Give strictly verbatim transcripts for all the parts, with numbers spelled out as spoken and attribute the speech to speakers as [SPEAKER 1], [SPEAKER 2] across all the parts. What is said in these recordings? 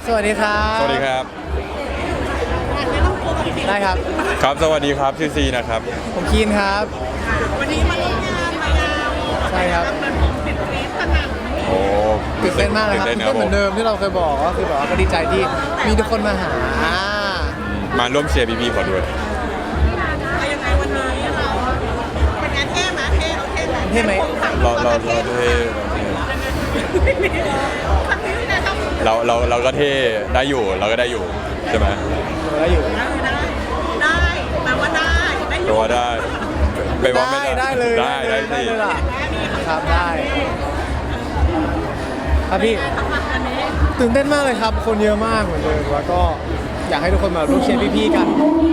[SPEAKER 1] สวัสดีครับ
[SPEAKER 2] สวัสดีครับ
[SPEAKER 1] ได้ครับ
[SPEAKER 2] ครับสวัสดีครับชื่อซีนะครับ
[SPEAKER 1] ผมคีนครับ
[SPEAKER 3] วันนี้มาร่วมงานมายาว
[SPEAKER 1] ใช่ครับ
[SPEAKER 3] เหมือนผมติดฟีดขนาด
[SPEAKER 2] โอ้
[SPEAKER 1] ตื่นเต้นมากเลยครับ
[SPEAKER 2] ตื่
[SPEAKER 1] ตื่
[SPEAKER 2] น
[SPEAKER 1] น
[SPEAKER 2] เต้น
[SPEAKER 1] เต้นเหมือนเดิมที่เราเคยบอกก็คือแบบว่าก็ดีใจที่มีทุกคนมาหา
[SPEAKER 2] มาร่วมเชียร์พี่ๆขอด้วย
[SPEAKER 3] เอายังไงวันนี้เราเป็นงานเท่ไหมเท่เราเท่ไหม
[SPEAKER 1] เท่ไหม
[SPEAKER 2] เราเราเราเท่
[SPEAKER 3] ครั้งนี้นะครับ
[SPEAKER 2] เราเราเราก็เท่ได้อยู่เราก็ได้อยู่ใช่ไหม
[SPEAKER 1] แล้วอยู่
[SPEAKER 3] ได้ได้แปลว่าได้ได้อ
[SPEAKER 2] แปล
[SPEAKER 3] ยู่
[SPEAKER 2] ว่าได้แปลว่าไม่
[SPEAKER 1] ได้
[SPEAKER 2] ได้
[SPEAKER 1] ได้เลย
[SPEAKER 2] ได้ได้
[SPEAKER 1] ได้
[SPEAKER 2] สิ
[SPEAKER 1] เลยล่ะครับได้ครับพี่
[SPEAKER 3] ทำวันนี้
[SPEAKER 1] ตื่นเต้นมากเลยครับ คนเยอะมากเหมือนเดิมแล้วก็อยากให้ทุกคนมาร่วมเชียร์พี่ๆกัน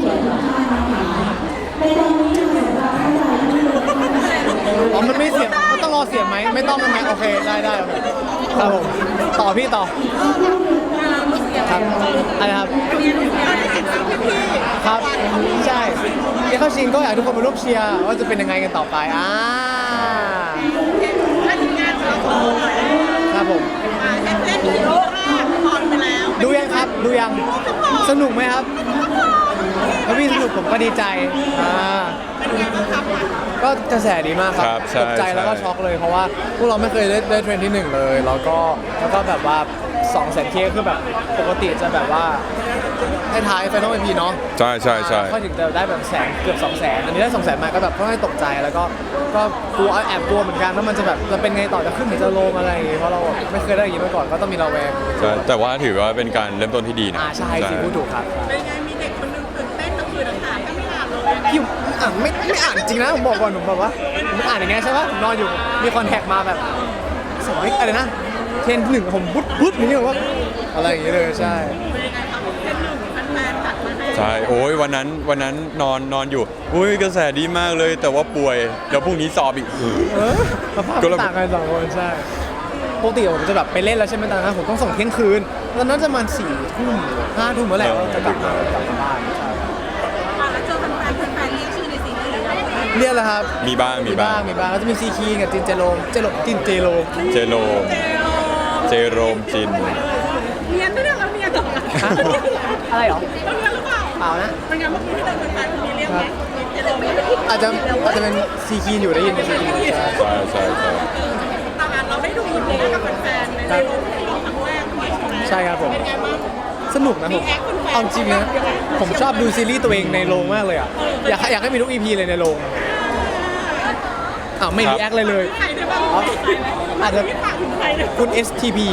[SPEAKER 1] อ๋อมันไม่เสียงมันต้องรอเสียงไหมไม่ต้องไหมโอเคได้ได้โอเคครับผมต่อพี่ต่อครับอะไรครับ ครับใช่ที่เข้าชิงก็อยากให้ทุกคนมาร่วมเชียร์ว่าจะเป็นยังไงกันต่อไปอ่า
[SPEAKER 3] ถ้าถึงงานเราโตหน่อย
[SPEAKER 1] ครับผม
[SPEAKER 3] มาเต้นเต้นโยกแรกพอนไปแล้ว
[SPEAKER 1] ดูยังครับดูยังสนุกไหมครับถ้าพี่สนุกผมก็ดีใจอ่า
[SPEAKER 3] เป็นไงบ้างครับ
[SPEAKER 1] ก็กระแสดีมากครับ
[SPEAKER 2] ครับใช่
[SPEAKER 1] ตกใจแล้วก็
[SPEAKER 2] ใช่
[SPEAKER 1] ช็อกเลยเพราะว่าพวกเราไม่เคยได้ได้เทรนด์ที่หนึ่งเลยแล้วก็แล้วก็แบบว่าสองแสนเคคือแบบปกติจะแบบว่าให้ท้ายไฟนอลเอ็มพีเนาะ
[SPEAKER 2] ใช่ใช่ใช่
[SPEAKER 1] ค่อยถึงจะได้แบบแสนเกือบสองแสนอันนี้ได้สองแสนมาก็แบบค่อนข้างตกใจแล้วก็ก็กลัวแอบกลัวเหมือนกันว่ามันจะแบบจะเป็นไงต่อจะขึ้นหรือจะลงอะไรอย่างงี้เพราะเราไม่เคยได้อย่างนี้มาก่อนก็ต้องมีระแวง
[SPEAKER 2] ใช่แต่ว่าถือว่าเป็นการเริ่มต้นที่ดีนะ
[SPEAKER 1] อ่าใช่สิพูดถูกครับ
[SPEAKER 3] เป็นไงมีเด็กคนนึงตื่นเต้นทั้งคืนทั้งหาก็ไม่อ่านเลยยังไง
[SPEAKER 1] พี่อ่านไม่ไม่อ่านจริงนะผมบอกก่อนผมแบบว่าผมอ่านอย่างเงี้ยใช่ปะผมนอนอยู่มีคอนแทคมาแบบสมัยอะไรนะเทรนหนึ่งผมบุ๊ดบุ๊ดอย่างเงี้ยแบบว่าอะไรอย่างเงี้ยเลยใช่
[SPEAKER 3] เป็นยังไงครับเต้นหนึ่งแฟนๆจัดมาให้
[SPEAKER 2] ใช่โอ้ยวันนั้นวันนั้นนอนนอนอยู่อุ้ยกระแสดีมากเลย แต่ว่าป่วยเดี๋ยวพรุ่งนี้สอบอีก
[SPEAKER 1] เออสภาพ
[SPEAKER 2] ก็เลย
[SPEAKER 1] ต่างกันสองคนใช่ปกติผมจะแบบไปเล่นแล้วใช่ไหมตอนนั้นผมต้องส่งเที่ยงคืนตอนนั้นจะประมาณสี่ทุ่มห้าทุ่มเมื่อไหร่เราจะกลับมากลับมาบ้านใช่
[SPEAKER 3] มาแล้วเจอแฟนๆแฟนๆเรียกชื่อในซีรีส์หรือยัง
[SPEAKER 1] เรียกแล้วครับ
[SPEAKER 2] มีบ้างมีบ้าง
[SPEAKER 1] มีบ้างแล้วจะมีซีคีกับจินเจโรมเจโรจินเจโรม
[SPEAKER 2] เจโรมเจโรมจิน
[SPEAKER 3] เนียนด้วยนะเราเนียนเหรอ
[SPEAKER 1] ฮะอะไรเหรอ
[SPEAKER 3] เราเนียนหรือเปล่า
[SPEAKER 1] เปล่านะ
[SPEAKER 3] เป็นไงเมื่อกี้ที่เดินแฟนๆมีเรียกไหมเจะลงไหม
[SPEAKER 1] อาจจะอาจจะเป็นซีคีอยู่ได้ยินเป็นซีคีใช่
[SPEAKER 2] ใช่ใช่ใช่
[SPEAKER 3] ตอนนั้นเราได้ดูอีพีกับแฟนๆในโรงครั้งแรกด้วยใช่ไหม
[SPEAKER 1] ใช่ครับผม
[SPEAKER 3] เป็นไงบ้าง
[SPEAKER 1] สนุกนะผมเอาจริงนะผมชอบดูซีรีส์ตัวเองในโรงมากเลยอ่ะอยากให้อยากให้มีทุกอีพีเลยในโรงอ้าวไม่รีแอคเลยเลย
[SPEAKER 3] ใครได้บ้าง
[SPEAKER 1] อ๋ออาจจะ
[SPEAKER 3] พี่ฝากถึงใครเนี่ย
[SPEAKER 1] คุณ เอส ที พี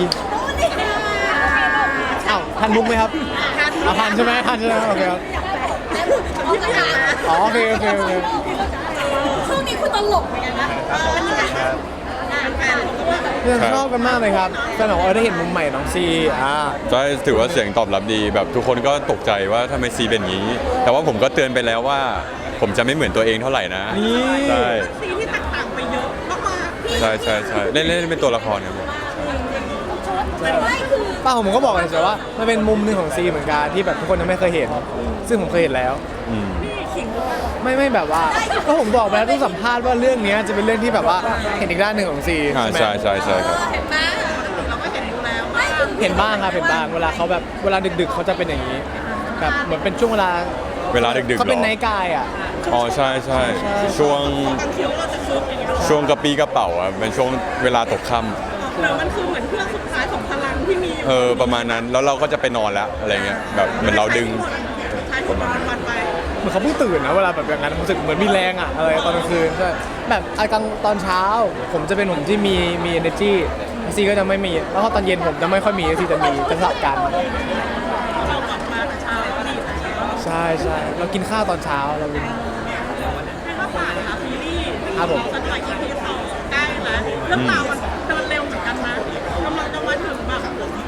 [SPEAKER 1] อ้าวทันมุกไหมครับอ่ะทันใช่ไหมทันใช่ไหมโอเคครับ
[SPEAKER 3] พี่ไม่อยากนะ
[SPEAKER 1] อ๋อโอเคโอเคโอเค
[SPEAKER 3] ช่วงนี้คุณตลกเหมือนกันนะเออเป็นยังไงงานแฟนเขาก็แบบ
[SPEAKER 1] เพื่อนชอบกันมากเลยครับแฟนบอกว่าเออได้เห็นมุมใหม่น้องซีอ่า
[SPEAKER 2] ใช่ถือว่าเสียงตอบรับดีแบบทุกคนก็ตกใจว่าทำไมซีเป็นอย่างนี้ แต่ว่าผมก็เตือนไปแล้วว่า ผมจะไม่เหมือนตัวเองเท่าไหร่นะ
[SPEAKER 1] นี่
[SPEAKER 2] ใช่
[SPEAKER 3] ซีที่แตกต่างไปเยอะมากๆพี่
[SPEAKER 2] ใช่ใช่ใช่เล่นเล่นเป็นตัวละครครับผม
[SPEAKER 3] ไม่คือ
[SPEAKER 1] ป้าผมก็บอกกันเฉยๆว่ามันเป็นมุมหนึ่งของซีเหมือนกันที่แบบทุกคนยังไม่เคยเห็น ซึ่งผมเคยเห็นแล้ว
[SPEAKER 2] อืม
[SPEAKER 3] ขิงหรือเปล่า
[SPEAKER 1] ไม่ไม่แบบว่าก็ผมบอกไปแล้วทุกสัมภาษณ์ว่าเรื่องนี้จะเป็นเรื่องที่แบบว่าเห็นอีกด้านหนึ่งของซี
[SPEAKER 2] อ่า
[SPEAKER 1] ใช่ไหม
[SPEAKER 2] ใช่ใช่ใช่ครับ
[SPEAKER 3] เห็นไหมเราก็เห็นอยู่แล้วว่า
[SPEAKER 1] เห็นบ้างครับเห็นบ้างเวลาเขาแบบเวลาดึกๆเขาจะเป็นอย่างนี้แบบเหมือนเป็นช่วงเวลา
[SPEAKER 2] เวลาดึกๆ
[SPEAKER 1] เขาเป็น
[SPEAKER 2] หรอ
[SPEAKER 1] ไนท์กายอ่ะ
[SPEAKER 2] อ๋อใช่ใช่
[SPEAKER 1] ใช่
[SPEAKER 2] ช่วง
[SPEAKER 3] บางทีเราจะคึกอย่างเงี้ย
[SPEAKER 2] ช่วงกระปี้กระเป๋าอ่ะเป็นช่วงเวลาตกค่
[SPEAKER 3] หรือมันคือเหมือนเครื่องสุดท้ายของพลังที่มี
[SPEAKER 2] ำเออประมาณนั้นแล้วเราก็จะไปนอนแล้วอะไรเงี้ยแบบเหมือนเราดึง
[SPEAKER 3] ใช้ของวันวันไป
[SPEAKER 1] เหมือนเขาเพิ่งตื่นนะเวลาแบบอย่างนั้นผมรู้สึกเหมือนมีแรงอ่ะอะไรตอนกลางคืนใช่แบบไอ้กลางตอนเช้า ผมจะเป็นผมที่มีมี energy ซีก็จะไม่มีแล้วพอตอนเย็นผมจะไม่ค่อยมีซีจะมีจะสลับกัน
[SPEAKER 3] เรากลับมาแต่เช้าก็ดีแต่เช้า
[SPEAKER 1] ใช่ใช่เรากินข้าวตอนเช้าเรากิน
[SPEAKER 3] ให้ข้าวสารค่ะซีรีส์
[SPEAKER 1] ครับผม
[SPEAKER 3] จะถ่าย อี พี สองใกล้แล้วเรื่องราวมันเดินเร็วเหมือนกันนะกำลังจะมาถึงแบบ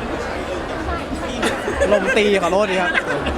[SPEAKER 1] ลมตีขอโทษดีครับ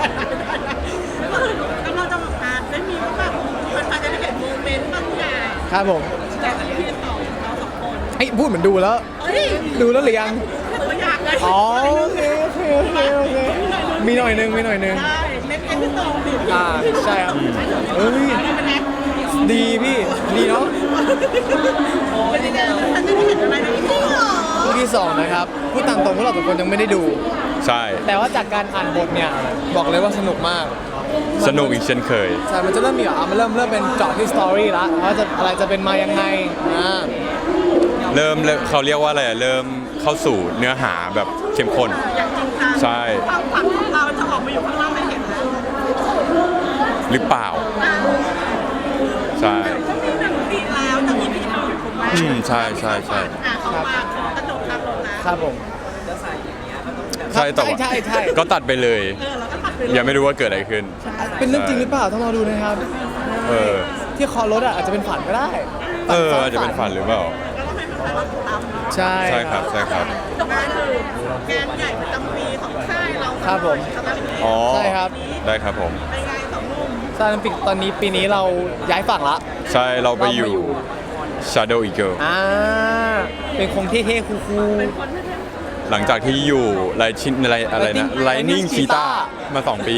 [SPEAKER 3] กำลังจะแบบมาได้มีแบบมันจะได้เห็นโมเมนต์บางอย่าง
[SPEAKER 1] ครับผม
[SPEAKER 3] จาก อี พี สองเราสองคน
[SPEAKER 1] ไอ้ยพูดเหมือนดูแล้ว
[SPEAKER 3] เฮ้ย
[SPEAKER 1] ดูแล้วหรือยัง
[SPEAKER 3] ตัวอย่างไง
[SPEAKER 1] อ๋อโอเคโอเคโอเคโอเคมีหน่อยนึงมีหน่อยนึง
[SPEAKER 3] ได้เน้นเอ็นที่สองดี
[SPEAKER 1] อ่าใช่ครับเอ้ยดีพี่ดีเนาะ
[SPEAKER 3] เป็นยังไงท่านจะได้เห็นอะไรในที่สอง
[SPEAKER 1] คู่ที่สองนะครับพูดตามตรงพวกเราทุกคนยังไม่ได้ดู
[SPEAKER 2] ใช่
[SPEAKER 1] แต่ว่าจากการอ่านบทเนี่ยบอกเลยว่าสนุกมาก
[SPEAKER 2] สนุกอีกเช่นเคย
[SPEAKER 1] ใช่มันจะเริ่มมีแบบอ่ะมันเริ่มเริ่มเป็นเจาะที่สตอรี่ละว่าจะอะไรจะเป็นมายังไงอ่า
[SPEAKER 2] เริ่มเริ่มเขาเรียกว่าอะไรอะเริ่มเข้าสู่เนื้อหาแบบเข้มข้น
[SPEAKER 3] อย่างจริงจัง
[SPEAKER 2] ใช่
[SPEAKER 3] ความฝันของเราจะออกมาอยู่ข้างนอกไม่เห็นแล้ว
[SPEAKER 2] หรือเปล่า ใช่
[SPEAKER 3] ก็มีหนึ่งปีแล้วจะมีพี่น้องถูกไหม
[SPEAKER 2] อืมใช่ใช่ใช่
[SPEAKER 3] อ่ะเขามาขอกระโดดทางลงนะครับ
[SPEAKER 1] ผม
[SPEAKER 2] ใช่แต่ว่า
[SPEAKER 1] ใช่ใช่
[SPEAKER 2] ก็ตัดไปเลย
[SPEAKER 3] เออเราก็ตัดไปเลย
[SPEAKER 2] ยังไม่รู้ว่าเกิดอะไรขึ้น
[SPEAKER 1] เป็นเรื่องจริงหรือเปล่าต้องรอดูนะครับ
[SPEAKER 2] เออ
[SPEAKER 1] ที่คอรถอ่ะอาจจะเป็นฝันก็ได้
[SPEAKER 2] เออ
[SPEAKER 1] ซ้
[SPEAKER 2] อาจจะเป็นฝันหรือเปล่า
[SPEAKER 3] ก็ต้องให้แฟนๆเราติดตามเนาะ
[SPEAKER 1] ใช่
[SPEAKER 2] ใช่ครับใช่ครับ
[SPEAKER 3] จบมาคือแกนใหญ่ประจำปีของค่ายเรา
[SPEAKER 1] ครับผม
[SPEAKER 3] สำหรับปีนี้
[SPEAKER 2] อ๋อ
[SPEAKER 1] ใช่ครับ
[SPEAKER 2] ได้ครับผม
[SPEAKER 3] เป็นไงสองหนุ่ม
[SPEAKER 1] ซาลิมปิกตอนนี้ปีนี้เราย้ายฝั่งละ
[SPEAKER 2] ใช่เราไปอยู่
[SPEAKER 1] เราไปอยู่
[SPEAKER 2] Shadow Eagle
[SPEAKER 1] อ่าเป็นคงเท่ๆคูล
[SPEAKER 3] คนที่
[SPEAKER 2] หลังจากที่อยู่ไรชินอะไรอะไรนะ
[SPEAKER 1] Lightning
[SPEAKER 2] Lightning
[SPEAKER 1] Cheetah
[SPEAKER 2] Cheetah มาสองปี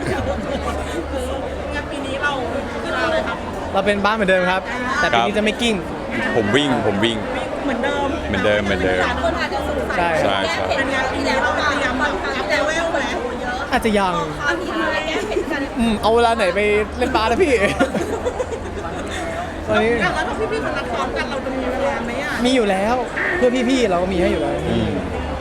[SPEAKER 3] งานปีนี้เราคือเราเลยครับ
[SPEAKER 1] ๆเราเป็นบ้านเหมือนเดิมครับ แต่ปีนี้จะไม่กิ้ง
[SPEAKER 2] ผมวิ่งผมวิ่ง
[SPEAKER 3] เหมือนเดิม
[SPEAKER 2] เหมือนเดิมเหมือนเดิม
[SPEAKER 3] คนอาจจะสงสัย
[SPEAKER 1] ใช่
[SPEAKER 2] ใช่ใช่
[SPEAKER 3] เป็นงานปีนี้เราเตรียมแบบอัพเลเวลไหม
[SPEAKER 1] อาจจะยัง
[SPEAKER 3] ตอนที่แก้เผ็ดกัน
[SPEAKER 1] อืมเอาเวลาไหนไปเล่นบาสแล้วพี่ ตอนนี้
[SPEAKER 3] แล้วถ้าพี่ๆคนนักซ้อมกันเราจะมีเวลาไหมอ่ะ
[SPEAKER 1] มีอยู่แล้ว เพื่อพี่ๆเราก็มีให้อยู่แล้ว
[SPEAKER 2] อืม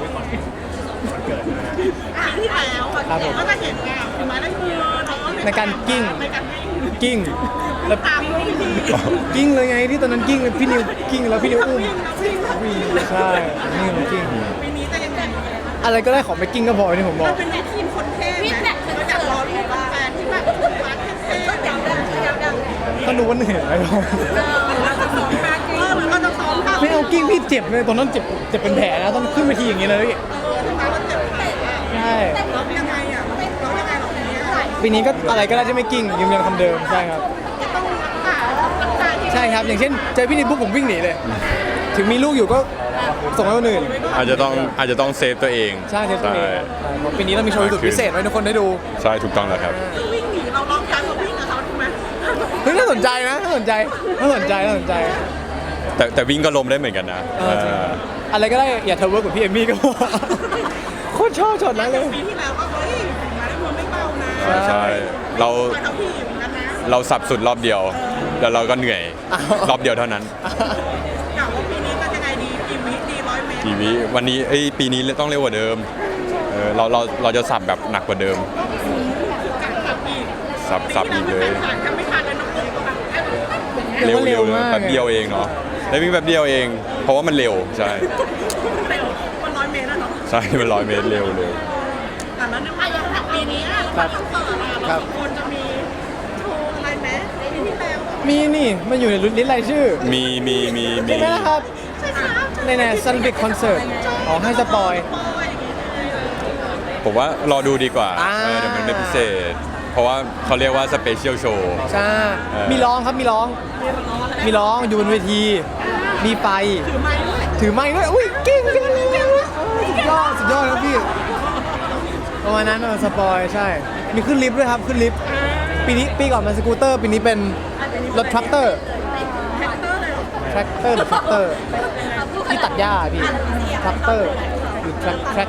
[SPEAKER 3] ปีที่แล้ว
[SPEAKER 1] ครับผม
[SPEAKER 3] ก็จะเห็นไงถึงไม้ได้มือน้อง
[SPEAKER 1] ในการกิ้ง
[SPEAKER 3] ในการกิ้ง
[SPEAKER 1] กิ้ง
[SPEAKER 3] แล้วตามพี่พี่
[SPEAKER 1] กิ้งเลยไงที่ตอนนั้นกิ้งพี่นิวกิ้งแล้วพี่นิวอุ้ม
[SPEAKER 3] วิ่งนะวิ่งนะ
[SPEAKER 1] ใช่นี่มันกิ้ง
[SPEAKER 3] ปีนี้จะยังไง
[SPEAKER 1] อะไรก็ได้ขอไปกิ้งก็พอที่ผมบอ
[SPEAKER 3] เรา
[SPEAKER 1] ก
[SPEAKER 3] เป็นทีมคนเท่ไหมเราอยากรอรูปแฟนที่แบบฟ้าเท่ๆดังดังดังดัง
[SPEAKER 1] ก็ดูว่าเหนื่อยอะไรหรอก
[SPEAKER 3] เราจะซ้อมการกิ้งเออมันก็จะซ้อมกัน
[SPEAKER 1] ไม่เอากิ้งพี่เจ็บเลยตอนนั้นเจ็บเจ็บเป็นแผลนะต้องขึ้นไปทีอย่างนี้เลยพี่
[SPEAKER 3] เออทำไมเราเจ็บขาอ่ะ
[SPEAKER 1] ใช่
[SPEAKER 3] เรายังไงอ่ะเรายังไงเราปีนี้
[SPEAKER 1] ปีนี้ก็อะไรก็ได้ที่ไม่กิ้งยืนยันคำเดิมใช่ครับ
[SPEAKER 3] ต้องรักษารักษาที่
[SPEAKER 1] ใช่ครับ อย่างเช่นเจอพี่นิวปุ๊บผมวิ่งหนีเลย ถึงมีลูกอยู่ก็ส่งให้คนอื่น
[SPEAKER 2] อาจจะต้องอาจจะต้องเซฟตัวเอง
[SPEAKER 1] ใช่เทปตัวเองเพราะปีนี้เรามีโชว์สุดพิเศษไว้ให้ทุกคนได้ดู
[SPEAKER 2] ใช่ถูกต้องแล้วครับ
[SPEAKER 3] วิ่งหนีเราลองการเราวิ่งกับเขาถูกไหม
[SPEAKER 1] เฮ้ยน่าสนใจนะน่าสนใจน่าสนใจน่าสนใจ
[SPEAKER 2] แต่แต่วิ่งก็ล้มได้เหมือนกันนะ
[SPEAKER 1] เออ
[SPEAKER 2] เออ
[SPEAKER 1] อะไรก็ได้อย่าเทอร์เวิร์กกับพี่เอมมี่ก็พอโคตรชอบช็อตนั้นเลย
[SPEAKER 3] ปีที่แล้วก็เฮ้ยมาได้มือไม่เบานะ
[SPEAKER 2] ใช่ใช่เรา
[SPEAKER 3] คอยเอาพี่เหมือนกันนะ
[SPEAKER 2] เราสับสุดรอบเดียว แล้วเราก็เหนื่อยรอบเดียวเท่านั้น
[SPEAKER 3] กล่าวว่าปีนี้จะยังไงดีกี่วิดีร้อยเมตร
[SPEAKER 2] ทีวีวันนี้เอ้ยปีนี้ต้องเร็วกว่าเดิมเออเราเราเราจะสับแบบหนักกว่าเดิม
[SPEAKER 3] การขับอีก
[SPEAKER 2] สับสับอีกเลย
[SPEAKER 3] ผ่านกันไม่ผ่านเลยน้องเลยก็แบบ
[SPEAKER 1] เร็
[SPEAKER 2] เร็
[SPEAKER 1] ว
[SPEAKER 2] ว
[SPEAKER 1] เร็
[SPEAKER 2] เร็
[SPEAKER 1] ว
[SPEAKER 2] ว
[SPEAKER 1] มาก
[SPEAKER 2] แป๊บเดียวเองเนาะได้วิ่งแป๊บเดียวเอง เพราะว่ามันเร็วใช่
[SPEAKER 3] เร็วมันร้อยเมตรแล้วเนาะ
[SPEAKER 2] ใช่มันร้อยเมตรเร็วเร็ว
[SPEAKER 3] แต่แล้วในภายในปีนี้เราต้องเปิดอะเราควรจะมีโชว์อะไรไหมในปีที่แล้ว
[SPEAKER 1] มีนี่มันอยู่ในลิสต์รายชื่อ
[SPEAKER 2] มีมีมีมี
[SPEAKER 1] ใช่ไหมล่ะครับ
[SPEAKER 3] ใช่ครับ
[SPEAKER 1] ในในซันบิกคอนเสิร์ตอ๋อให้สปอย
[SPEAKER 3] โอ้ยอย่างงี้เลย
[SPEAKER 2] ผมว่ารอดูดีกว่า
[SPEAKER 1] อ่า
[SPEAKER 2] เออเดี๋ยวมันไม่พิเศษ เพราะว่าเขาเรียกว่าสเปเชียลโชว์
[SPEAKER 1] ใช่
[SPEAKER 2] เออ
[SPEAKER 1] มีร้องครับมีร้อง มีร้องอยู่บนเวที มีไฟ
[SPEAKER 3] ถือไม้ด้วย
[SPEAKER 1] ถือไม้ด้วย อุ้ยเก่งจังเลยสุดยอด สุดยอดครับพี่ ประมาณนั้นเออสปอยใช่ มีขึ้นลิฟต์ด้วยครับ ขึ้นลิฟต์ ปีนี้ปีก่อนเป็นสกูตเตอร์ ปีนี้เป็นรถทรัคเตอร์
[SPEAKER 3] แฮกเตอร์เลยเหรอ
[SPEAKER 1] ทรัคเตอร์หรือทรัคเตอร์ ที่ตัดหญ้าพี่ทรัคเตอร์หรือทรัคทรัค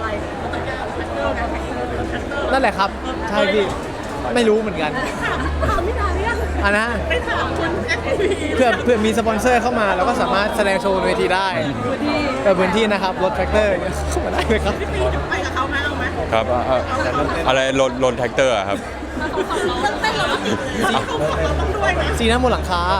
[SPEAKER 1] นั่นแหละครับ ใช่พี่ ไม่รู้เหมือนกัน
[SPEAKER 3] ถามถามพี่ดาเนี่ย
[SPEAKER 1] อ่ะนะ
[SPEAKER 3] ไปถามคุณแอคทีวี
[SPEAKER 1] เพื่อเพื่อมีสปอนเซอร์เข้ามาเราก็สามารถแสดงโชว์บนเวทีได้เปิดพื้นที่นะครับรถแทรกเตอร์เข้ามาได้เลยครับ
[SPEAKER 3] พี่ปีไปกับเขาไหมเอาไหม
[SPEAKER 2] ครับอ่ะอ่ะอะไรรถรถแท็กเตอร์อะครับ
[SPEAKER 3] ต้องเต้นเหรอเราต้องด้วยนะ
[SPEAKER 1] สีหน้าบนหลังคา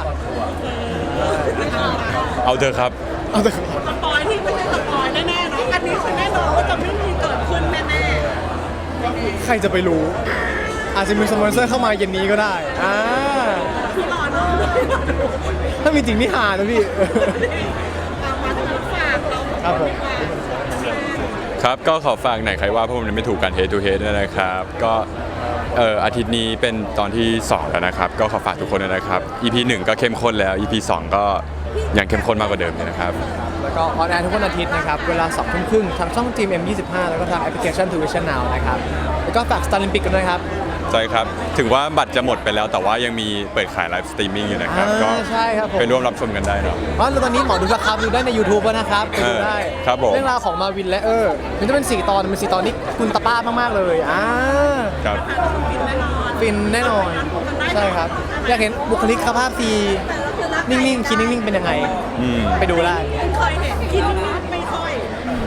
[SPEAKER 2] เอาเถอะครับ
[SPEAKER 1] เอาแต่
[SPEAKER 3] สปอยที่ไม่ใช่สปอยแน่ๆเนาะอันนี้คือแน่นอนว่าจะไม่มีเกิดขึ้นแน่
[SPEAKER 1] ใครจะไปรู้ อาจจะมีสปอนเซอร์เข้ามาเย็นนี้ก็ได้อ่า
[SPEAKER 3] ๆพี่รอเนาะ
[SPEAKER 1] ถ้ามีจริงนี่หานะพี่
[SPEAKER 3] เอามาถึงฝากเรา
[SPEAKER 1] ครับผม
[SPEAKER 2] ครับก็ขอฝากหน่อยใครว่าพวกมันไม่ถูกกัน head to head ด้วยนะครับ ก็เอ่ออาทิตย์นี้เป็นตอนที่สองแล้วนะครับ ก็ขอฝากทุกคนด้วยนะครับ อี พี หนึ่งก็เข้มข้นแล้ว อี พี สองก็ยังเข้มข้นมากกว่าเดิมเลยนะครับ
[SPEAKER 1] แล้วแล้วก็ออนแอร์ทุกวันอาทิตย์นะครับเวลาสองทุ่มครึ่งทางช่อง จี เอ็ม ยี่สิบห้าแล้วก็ทางแอปพลิเคชัน ทู วิชั่น นาว นะครับแล้วก็ฝาก Starlimpic กันด้วยครับ
[SPEAKER 2] ใช่ครับ ถึงว่าบัตรจะหมดไปแล้วแต่ว่ายังมีเปิดขายไลฟ์สตรีมมิ่งอยู่นะครับ
[SPEAKER 1] อ่า
[SPEAKER 2] ก็
[SPEAKER 1] ใช่ครับผม
[SPEAKER 2] ไปร่วมรับชมกันได้เนาะ
[SPEAKER 1] อ๋อแล้วตอนนี้หมอดูสครับดูได้ใน YouTube แล้วนะครับไปดูได้
[SPEAKER 2] เออครับผม
[SPEAKER 1] เรื่องราวของมาวินและเออมันจะเป็นสี่ตอนเป็นสี่ตอนนี้คุณตาป้ามากๆเลยอ่า
[SPEAKER 2] ครับ
[SPEAKER 1] ฟินแน่นอนใช่ครับอยากเห็นบุคลิกภาพซีนิ่งๆคิดนิ่งๆเป็นยังไง
[SPEAKER 2] อืม
[SPEAKER 1] ไปดูได้
[SPEAKER 3] เคยเห็นกินไม่ค่อย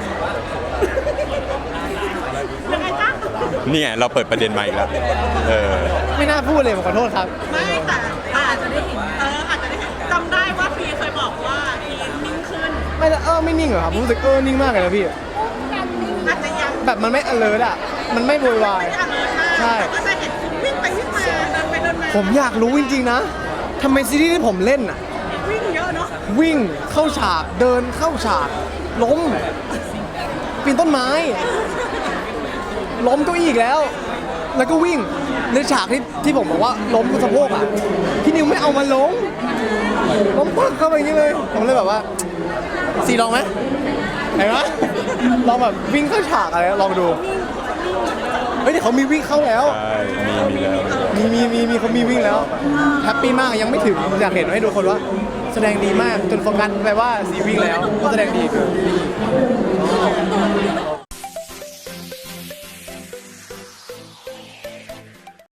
[SPEAKER 3] ยังไงจ๊ะ
[SPEAKER 2] นี่ไงเราเปิดประเด็นมาอีกแล้วเออ
[SPEAKER 1] ไม่น่าพูดเลยผมขอโทษครับ
[SPEAKER 3] ไม่แต่อาจจะได้เห็นเอออาจจะได้เห็นจำได้ว่าพีเคยบอกว่าพีนิ่งขึ้น
[SPEAKER 1] ไม่เออไม่นิ่งเหรอครับผมรู้สึกเออนิ่งมากเลยนะพี่
[SPEAKER 3] อาจจะยัง
[SPEAKER 1] แบบมันไม่ alert อ่ะมันไม่โวยวาย
[SPEAKER 3] ไม่ได้อเลิร์มาก
[SPEAKER 1] ใช่
[SPEAKER 3] แต่ก็จะเห็นวิ่งไปวิ่งมาเดินไปเดินมา
[SPEAKER 1] ผมอยากรู้จริงๆนะทำไมซีรีส์ที่ผมเล่นอ่ะ
[SPEAKER 3] วิ่งเยอะเนาะ
[SPEAKER 1] วิ่งเข้าฉากเดินเข้าฉาก ล้มปีนต้นไม้ ล้มเก้าอี้อีกแล้ว แล้วก็วิ่งในฉากที่ที่ผมบอกว่าล้มบนสะโพกอ่ะพี่นิวไม่เอามาล้มล้มปักเข้าไปอย่างนี้เลย ผมเลยแบบว่าสีลองไหมเห็นไหมลองแบบวิ่งเข้าฉากอะไรลองดูเฮ้ยเดี๋ยวเขามีวิ่งเข้าแล้ว
[SPEAKER 2] ใช่มีมีแล้ว
[SPEAKER 1] มีมีมีมีเขามีวิ่งแล้วแฮปปี้มากยังไม่ถึงอยากเห็นให้ดูคนว่า แสดงดีมากจนโฟกัสไปว่าสีวิ่งแล้วก็แสดงดีคือ